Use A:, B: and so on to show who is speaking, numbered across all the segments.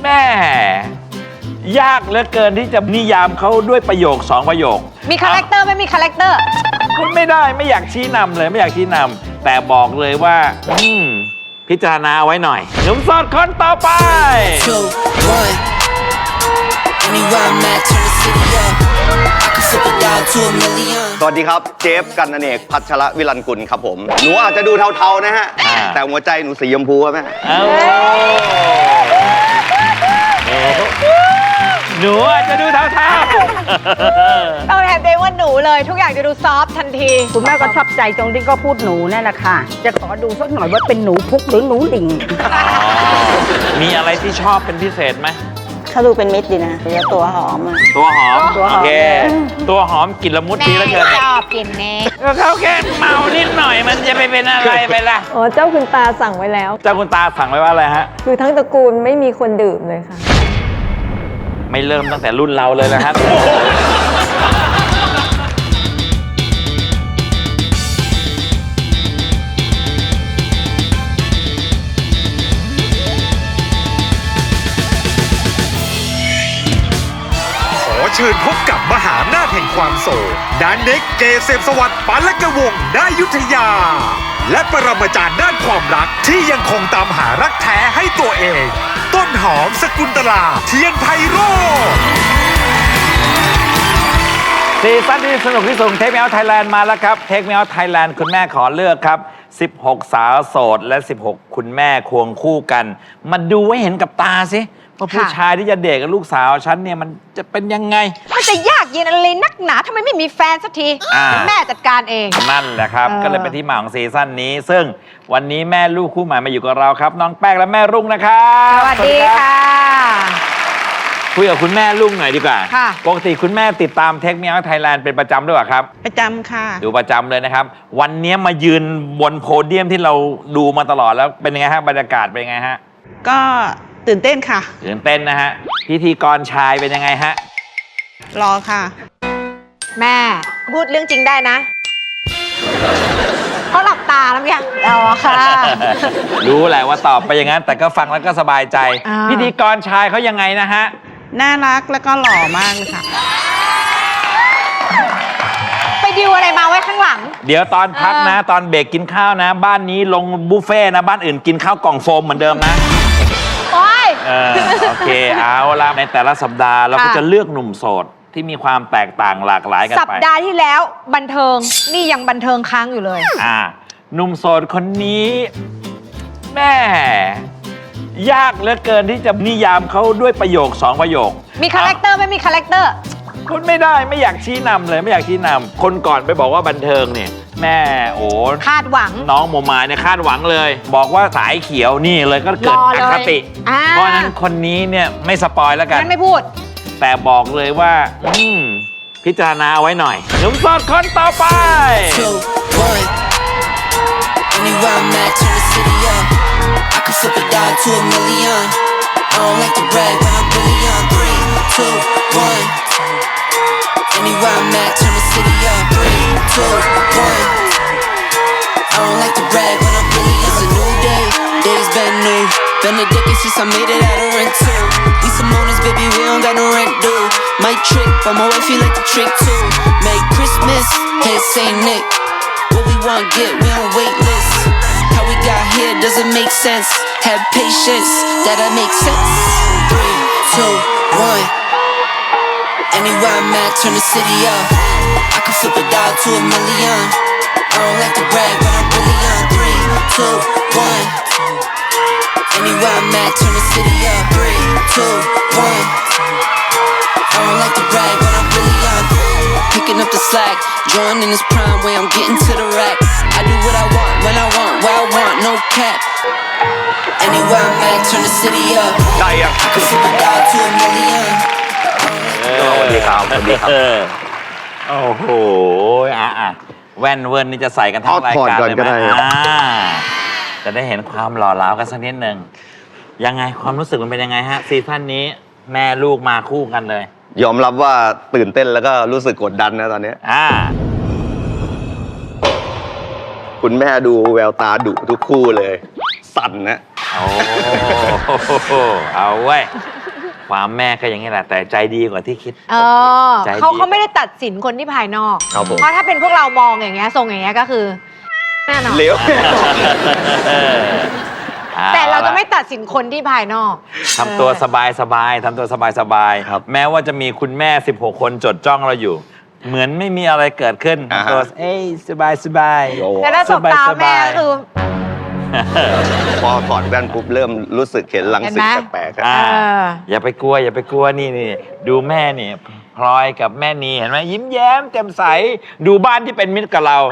A: ม่ยากเหลือเกินที่จะนิยามเขาด้วยประโยค2 ประโยค
B: มีคาแรคเตอร์ไม่มีคาแรคเตอร์
A: คุณไม่ได้ไม่อยากชี้นำเลยไม่อยากชี้นำแต่บอกเลยว่าพิจารณาไว้หน่อยหนุ่มโสดคนต่อไป
C: สวัสดีครับเจฟกันอเนกพัชรวิรันกุลครับผมหนูอาจจะดูเทาๆนะฮะแต่หัวใจหนูสีชมพูครับแม่
A: หนูอาจจะดูเทา
B: ๆต้องแทนตัวเองว่าหนูเลยทุกอย่างจะดูซอฟทันที
D: คุณแม่ก็ชอบใจตรงที่ก็พูดหนูนั่นแหละค่ะจะขอดูสักหน่อยว่าเป็นหนูพุกหรือหนูหลิง
A: มีอะไรที่ชอบเป็นพิเศษไหม
D: เขาดูเป็นมิตรดีนะแล้วตัวหอม
A: ตัวหอมโอเคตัวหอมกลิ่นละมุดดีแล้วเกิน
B: ชอบกินเน่
A: เขาแค่เมานิดหน่อยมันจะไปเป็นอะไรไปล่ะ
E: อ๋อเจ้าคุณตาสั่งไว้แล้ว
A: เจ้าคุณตาสั่งไว้ว่าอะไรฮะ
E: คือทั้งตระกูลไม่มีคนดื่มเลยค่ะ
A: ไม่เริ่มตั้งแต่รุ่นเราเลยนะครับ
F: เชิญพบกับมหาอำนาจแห่งความโศกดานเน็กเกษมสวัสดิ์ปานละกวงนายุทธยาและปรมาจารย์ด้านความรักที่ยังคงตามหารักแท้ให้ตัวเองต้นหอมสกุลตลาเทียนไพโรจน์
A: ซีซั่นที่สนุกที่สุดเทคเมลไทยแลนด์มาแล้วครับเทคเมลไทยแลนด์คุณแม่ขอเลือกครับ16 สาวโสดและ16 คุณแม่ควงคู่กันมาดูให้เห็นกับตาสิว่าผู้ชายที่จะเดทกับลูกสาวฉันเนี่ยมันจะเป็นยังไง
B: มันจะยากเย็นอะไรนักหนาทำไมไม่มีแฟนสักทีแม่จัดการเอง
A: นั่นแหละครับก็เลยเป็นที่มาของซีซั่นนี้ซึ่งวันนี้แม่ลูกคู่ใหม่มาอยู่กับเราครับน้องแป้งและแม่รุ่งนะครับ
B: สวัสดีค่ะ
A: คุยกับคุณแม่รุ่งหน่อยดีกว่าปกติคุณแม่ติดตามเทคเมียไทยแลนด์เป็นประจำด้วยหรอครับ
D: ประจำค่ะ
A: ดูประจำเลยนะครับวันนี้มายืนบนโพเดียมที่เราดูมาตลอดแล้วเป็นยังไงฮะบรรยากาศเป็นยังไงฮะ
D: ก็ตื่นเต้นค่ะ
A: ตื่นเต้นนะฮะพิธีกรชายเป็นยังไงฮะ
D: รอค่ะ
B: แม่พูดเรื่องจริงได้นะเขาหลับตาแล้วยังเอาค่ะ
A: รู้แหละว่าตอบไปอย่างนั้นแต่ก็ฟังแล้วก็สบายใจพิธีกรชายเขายังไงนะฮะ
D: น่ารักแล้วก็หล่อมากค่ะ
B: ไปดิวอะไรมาไว้ข้างหลัง
A: เดี๋ยวตอนพักนะตอนเบรกกินข้าวนะบ้านนี้ลงบุฟเฟ่นะบ้านอื่นกินข้าวกล่องโฟมเหมือนเดิมนะโอเคเอาละในแต่ละสัปดาห์เราก็จะเลือกหนุ่มโสดที่มีความแตกต่างหลากหลายกันไป
B: สัปดาห์ที่แล้วบันเทิงนี่ยังบันเทิงค้างอยู่เลย
A: หนุ่มโสดคนนี้แม่ยากเหลือเกินที่จะนิยามเขาด้วยประโยค2 ประโยค
B: มีคาแรคเตอร์ไม่มีคาแรคเตอร์
A: คุณไม่ได้ไม่อยากชี้นำเลยไม่อยากชี้นำคนก่อนไปบอกว่าบันเทิงเนี่ยแม่โอ้
B: คาดหวัง
A: น้องโมมาเนี่ยคาดหวังเลยบอกว่าสายเขียวนี่เลยก็เกิดอคติเพราะนั้นคนนี้เนี่ยไม่สปอยแล้วกัน
B: ไม่พูด
A: แต่บอกเลยว่าพิจารณาไว้หน่อยหนุ่มโสดคนต่อไป
G: Anywhere I'm at, turn the city up. 3, 2, 1. I don't like to brag, but I'm really it's a new day. Days been new. Been a decade since I made it out of rent too. We some owners, baby, we don't got no rent due. Might trick, but my wife feel like the trick too. Merry Christmas, head Saint Nick. What we want get, we on wait list. How we got here doesn't make sense. Have patience, that'll make sense. 3, 2, 1. Anywhere I'm at, turn the city up. I can flip a dollar to $1 million. I don't like to brag, but I'm really on 3, 2, 1. Anywhere I'm at, turn the city up. 3, 2, 1. I don't like to brag, but I'm really on. Picking up the slack, joining this prime way I'm getting to the rack. I do what I want, when I want, where I want, no cap. Anywhere I'm at, turn the city up. I can flip a dollar to $1 million.
C: สวัสดีครับสวัสดีครับ
A: โอ้โหแว่นเวิร์นนี่จะใส่กันทั้งรายการเลยไหมจะได้เห็นความหล่อเหลากันสักนิดหนึ่งยังไงความรู้สึกมันเป็นยังไงฮะซีซั่นนี้แม่ลูกมาคู่กันเลย
C: ยอมรับว่าตื่นเต้นแล้วก็รู้สึกกดดันนะตอนนี้คุณแม่ดูแววตาดุทุกคู่เลยสั่นนะ
A: โอ้เอาไว้ความแม่ก็อย่างนี้แหละ แต่ใจดีกว่าที่คิด ใจดี
B: เขาไม่ได้ตัดสินคนที่ภายนอก
C: ครับผม
B: เพราะถ้าเป็นพวกเรามองอย่างเงี้ยทรงอย่างเงี้ยก็คือแน่นอน
C: เหลว
B: แต่เราจะไม่ตัดสินคนที่ภายนอก
A: ทำตัวสบายๆทำตัวสบายๆ
C: ครับ
A: แม้ว่าจะมีคุณแม่ 16 คนจดจ้องเราอยู่ เหมือนไม่มีอะไรเกิดขึ้น
C: อ่าฮะ
A: ตัวสบาย
C: โอ้
B: แต่ถ้าสบตาแม่ก็คือ
C: พอถอดแว่นปุ๊บเริ่มรู้สึกเห็นรังสี
B: เห็นไหม
C: แปลกๆครับ
A: อ่า
B: อ
A: อย่าไปกลัวนี่ดูแม่นี่พลอยกับแม่นีเห็นไหมยิ้มแย้มแจ่มใสดูบ้านที่เป็นมิตรกับเรา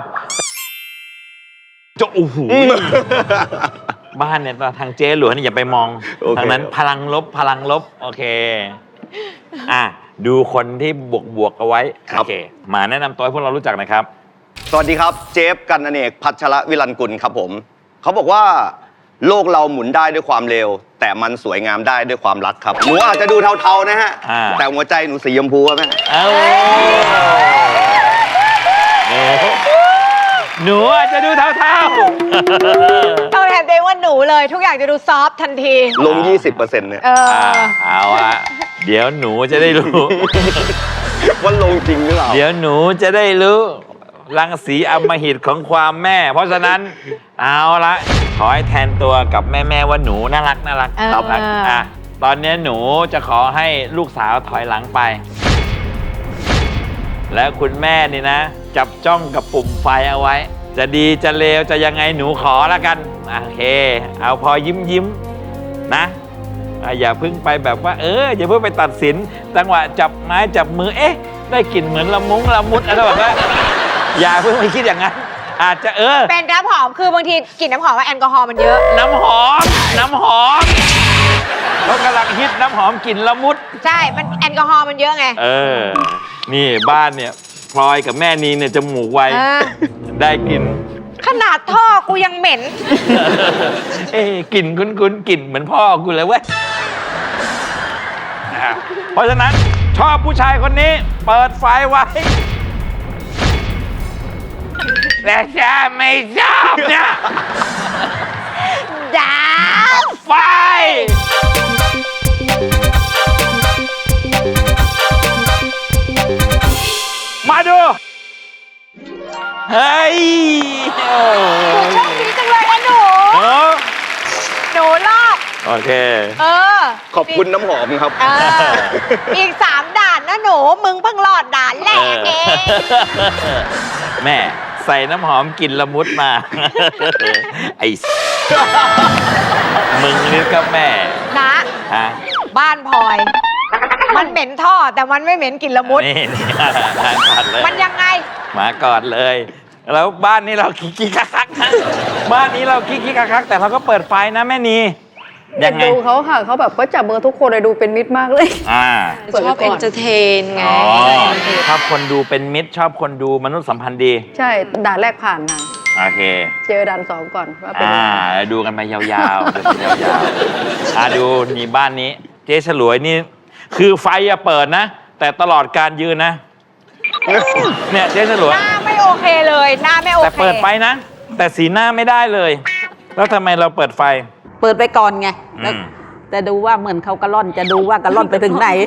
A: จะโอ้โหบ้านเนี่ยทางเจ๊หลวงนี่อย่าไปมอง
C: โอเค
A: ทางนั้นพลังลบโอเคอ่ะดูคนที่บวกเอาไว้โอเคมาแนะนำตัวให้พวกเรารู้จักหนะครับ
C: สวัสดีครับเจฟกันอเนกพัชรวิรันกุลครับผมเขาบอกว่าโลกเราหมุนได้ด้วยความเร็ว แต่มันสวยงามได้ด้วยความรักครับหนูอาจจะดูเทาๆนะฮะ
A: อ่า
C: แต่หัวใจหนูสีชมพูครับแม่
A: เอาหนูอาจจะดูเท่า
B: ต้องแทนตัวเองว่าหนูเลย ทุกอย่างจะดูซอฟต์ทันที
C: ลง 20%เนี่ย
A: เอาละเดี๋ยวหนูจะได้รู้
C: ว่าลงจริงหรือเปล่า
A: เดี๋ยวหนูจะได้รู้รังสีอำมหิตของความแม่ เพราะฉะนั้นเอาละขอให้แทนตัวกับแม่ว่าหนูน่ารัก
B: ครับ
A: อ่ะตอนนี้หนูจะขอให้ลูกสาวถอยหลังไป แล้วคุณแม่นี่นะ จับจ้องกับปุ่มไฟเอาไว้ จะดีจะเลวจะยังไงหนูขอแล้วกันโอเค เอาพอยิ้มนะอย่าเพิ่งไปแบบว่าอย่าเพิ่งไปตัดสินจังหวะจับไม้จับมือได้กลิ่นเหมือนละมุดอะไรแบบนั้นอย่าเพิ่งไปคิดอย่างนั้นอาจจะ
B: เป็นน้ำหอมคือบางทีกลิ่นน้ำหอมว่าแอลกอฮอล์มันเยอะ
A: น้ำหอมเขากำลังฮิตน้ำหอมกลิ่นละมุด
B: ใช่ มันแอลกอฮอล์มันเยอะไง
A: นี่บ้านเนี่ยพลอยกับแม่นีเนี่ยจมูกไว ได้กลิ่น
B: ขนาดท่อกูยังเหม็น
A: กลิ่นคุ้นๆกลิ่นเหมือนพ่อกูเลยเว้ยเพราะฉะนั้นชอบผู้ชายคนนี้เปิดไฟไว้แต่ฉันไม่ชอบเนี่ย
B: ดา
A: ไฟ มาดู เฮ้ยโอ้
B: โชคดีจังเลยนะหนู หนูรอด
A: โอเค
C: ขอบคุณน้ำหอมครับ
B: อีก 3 ด่านนะหนู มึงเพิ่งรอดด่านแรกเอง
A: แม่ใส่น้ำหอมกลิ่นละมุดมา ไอ้ มึงนี่ก็แม่
B: นะ
A: ฮะ
B: บ้านพลอย มันเหม็นท่อแต่มันไม่เหม็นกลิ่นละมุด
A: นี่ก่อนเลย
B: มันยังไง
A: มาก่อนเลย แล้วบ้านนี้เราคิกคักนะบ้านนี้เราคิกคักแต่เราก็เปิดไฟนะแม่นียังไง
E: ดูเขาค่ะ เขาแบบก็จับเบอร์ทุกคนเลยดูเป็นมิตรมากเลย
B: ชอบเอนเตอร์เทนไง
A: อ๋อชอบคนดูเป็นมิตรชอบคนดูมนุษยสัมพันธ์ดี
E: ใช่ด่านแรกผ่านนะ
A: โอเค
E: เจอด่าน2ก่อนว่าเป็นยังไง
A: ดูกันไปยาวๆดูกันยาวๆดูนี่บ้านนี้ เจ๊ฉลวยนี่ คือไฟอะเปิดนะ แต่ตลอดการยืนนะ เนี่ยเจ๊ฉลวย
B: หน้าไม่โอเคเลย หน้าไม่โอเค
A: แต่เปิดไฟนะ แต่สีหน้าไม่ได้เลย แล้วทำไมเราเปิดไฟ
D: เปิดไปก่อนไงแล้ว
A: อืม
D: แต่ดูว่าเหมือนเขากระล่อนจะดูว่ากระล่อนไปถึงไหน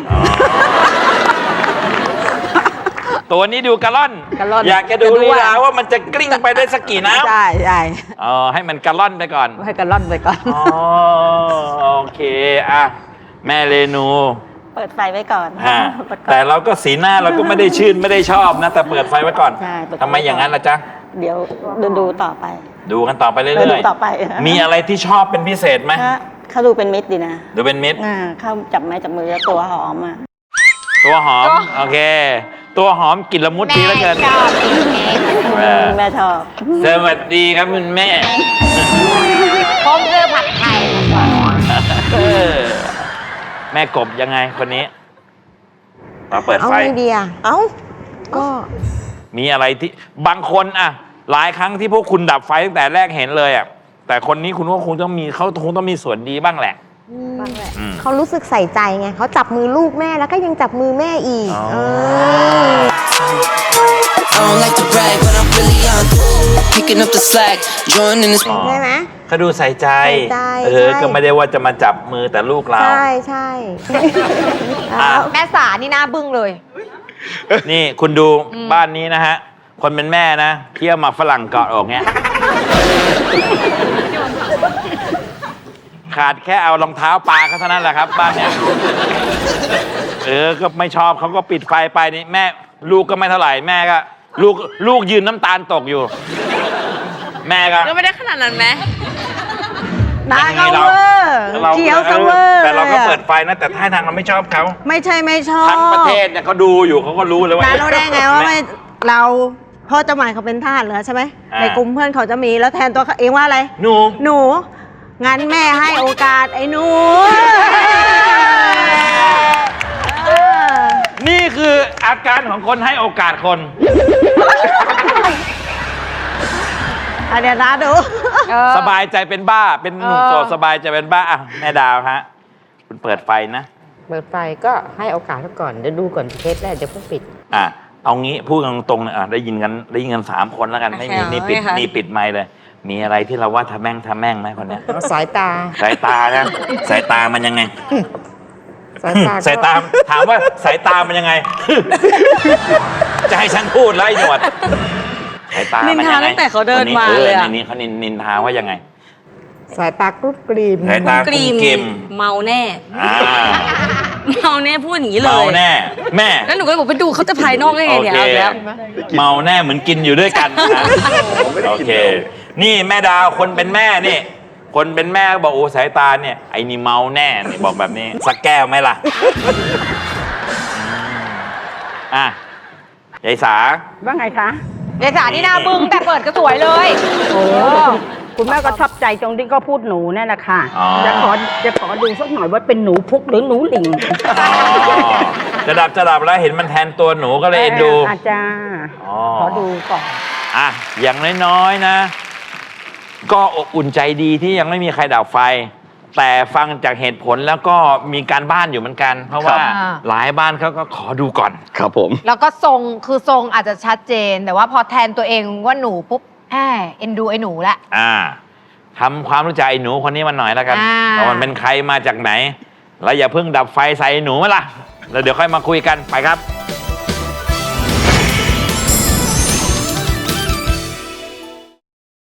A: ตัวนี้ดูกระล่อน
D: กระล่อน
A: อยากจะดู
D: จะดู
A: ลี
D: ว่า
A: ลาว่ามันจะกลิ้งไปได้สักกี่น้ำ
D: ใช่ใช่
A: ให้มันกระล่อนไปก่อน
D: ให้กระล่อนไปก่อน
A: อ๋อโอเคอ่ะแม่เรนู
D: เปิดไฟไว้ก่อน
A: ฮะแต่เราก็สีหน้าเราก็ไม่ได้ชื่นไม่ได้ชอบนะ แต่เปิดไฟไว้ก่อน
D: ใช่เปิดไฟ
A: ทำไมอย่างนั้นล่ะจ๊ะ
D: เดี๋ยวดูต่อไป
A: ดูกันต่อไปเรื่
D: ดู
A: อย
D: ต่อไป
A: ๆมีอะไรที่ชอบเป็นพิเศษไหม
D: เขาดูเป็นมิตรดีนะ
A: ดูเป็นมิตร
D: เขาจับไม้จับมือแล้วตัวหอมอ่ะ
A: ตัวหอมโอเค ตัวหอมกลิ่นละมุดดีแล้วเกิน
B: แม่ชอบ
D: แม่ชอบ
A: สวัสดีครับคุณแม่
B: ผมเลือกผัดไทย
A: เออแม่กบยังไงคนนี้มาเปิด
H: เอา
A: ไฟ
H: ไงดีอ่ะเอ้า ก็
A: มีอะไรที่บางคนอะหลายครั้งที่พวกคุณดับไฟตั้งแต่แรกเห็นเลยอะแต่คนนี้คุณก็คงต้องมีเขาคงต้องมีส่วนดีบ้างแหละ อืม
H: เขารู้สึกใส่ใจไง เขาจับมือลูกแม่แล้วก็ยังจับมือแม่อีก
A: อ๋อ
H: เออ
G: don't like to brag, but I'm really on. Picking up the slack, joining this.
H: ใช่ไหม
A: เขาดูใส่ใจ
H: ใส่ใจใช่
A: ก็ไม่ได้ว่าจะมาจับมือแต่ลูกเรา
H: ใช่ใช่
A: อ่ะ
B: แม่สานี่หน้าบึ้งเลย
A: นี่คุณดูบ้านนี้นะฮะ คนเป็นแม่นะเคี่ยวหมากฝรั่งเกาะอกเงี้ย ขาดแค่เอารองเท้าปลาเขาเท่านั้นแหละครับ บ้านเนี้ยก็ไม่ชอบเขาก็ปิดไฟไปนี่แม่ลูกก็ไม่เท่าไหร่แม่ก็ลูกยืนน้ำตาลตกอยู่ แม่ก็
B: ก็ไม่ได้ขนาดนั้นไหม
D: ตาเขา
A: เรา
D: เวอร์เขียวเขาเวอร์
A: แต่เราก็เปิดไฟนะแต่ท่าทางเราไม่ชอบเขา
D: ไม่ใช่ไม่ชอบ
A: ทั้งประเทศเนี่ยเขาดูอยู่เขาก็รู้เลยว่า
H: น้ารู้ได้ไงว่าไม่เราพ่อเจ้าหมายเขาเป็นทหารเหรอใช่ไหม
A: อ่า
H: ในกลุ่มเพื่อนเขาจะมีแล้วแทนตัวเขาเองว่าอะไร
A: หนู
H: หนู งั้นแม่ให้โอกาสไอ้หนู
A: นี่คืออาการของคนให้โอกาสคน
H: อันเนี้ยนะดู
A: สบายใจเป็นบ้า เป็นหนุ่มโสดสบายใจเป็นบ้าอ่ะแม่ดาวฮะ คุณเปิดไฟนะ
D: เปิดไฟก็ให้โอกาสเขาก่อนเดี๋ยวดูก่อนเทสแรกเดี๋ยวเพิ่งปิด
A: อ่ะเอางี้พูดกันตรงๆเลยได้ยินกัน3 คนแล้วกันไม่มีนี่ปิดไมค์เลย มีอะไรที่เราว่าทำแม่งไหมคนเนี้ย
D: สายตา
A: สายตานะสายตามันยังไง
D: สายตาก็
A: สายตาถามว่าสายตามันยังไง จะให้ฉันพูดแล้วไอ้หนวดสายตามันยังไง
B: นินทาตั้งแต่เขาเดินมาเลยอะ
A: ในนี้เขานินทาว่ายังไง
D: สายตากรุบกรีม
A: สายตากลุ่มเกม
I: เมาแน่
A: อ่า
I: เมาแน่พูดอย่างนี้เลย
A: เมาแน่ แม่
I: แล้วหนูก็เลยบอกไปดูเขาจะภายนอกได้ไงเนี่ย
A: โอ
I: เอา
A: เค
I: แล้ว
A: เมาแน่เหมือนกินอยู่ด้วยกันนะโอเค นี่แม่ดาวคนเป็นแม่นี่ คนเป็นแม่ก็บอกโอ้สายตาเนี่ยไอ้นี่เมาแน่นี่บอกแบบนี้สักแก้วไหมล่ะอ่ะยายสา
D: ว่าไงคะ
B: ยายสานี่หน้าบึ้งแต่เปิดก็สวยเลย
D: โอ้คุณแม่ก็ชอบใจตรงที่ก็พูดหนูนั่นแหละค่ะ
A: อ๋อ
D: จะขอดูสักหน่อยว่าเป็นหนูพุกหรือหนูหลิง
A: อ๋อจะดับแล้วเห็นมันแทนตัวหนูก็เลยเอ็นดู
D: อาจารย์
A: อ๋อ
D: ขอดูก่อน
A: อ่ะอย่างน้อยๆนะ ก็อบอุ่นใจดีที่ยังไม่มีใครดับไฟ แต่ฟังจากเหตุผลแล้วก็มีการบ้านอยู่เหมืมือนกัน เพราะว่า
B: ครับ
A: หลายบ้านเขาก็ขอดูก่อน
C: ครับผม
B: แล้วก็ทรงคือทรงอาจจะชัดเจน แต่ว่าพอแทนตัวเองว่าหนูปุ๊บเอ็นดูไอ้หนูละ
A: ทำความรู้จักไอ้หนูคนนี้มันหน่อยแล้วกัน
B: อ่า
A: ว่ามันเป็นใครมาจากไหน แล้วอย่าเพิ่งดับไฟใส่ไอ้หนูมาล่ะ แล้วเดี๋ยวค่อยมาคุยกันไปครับ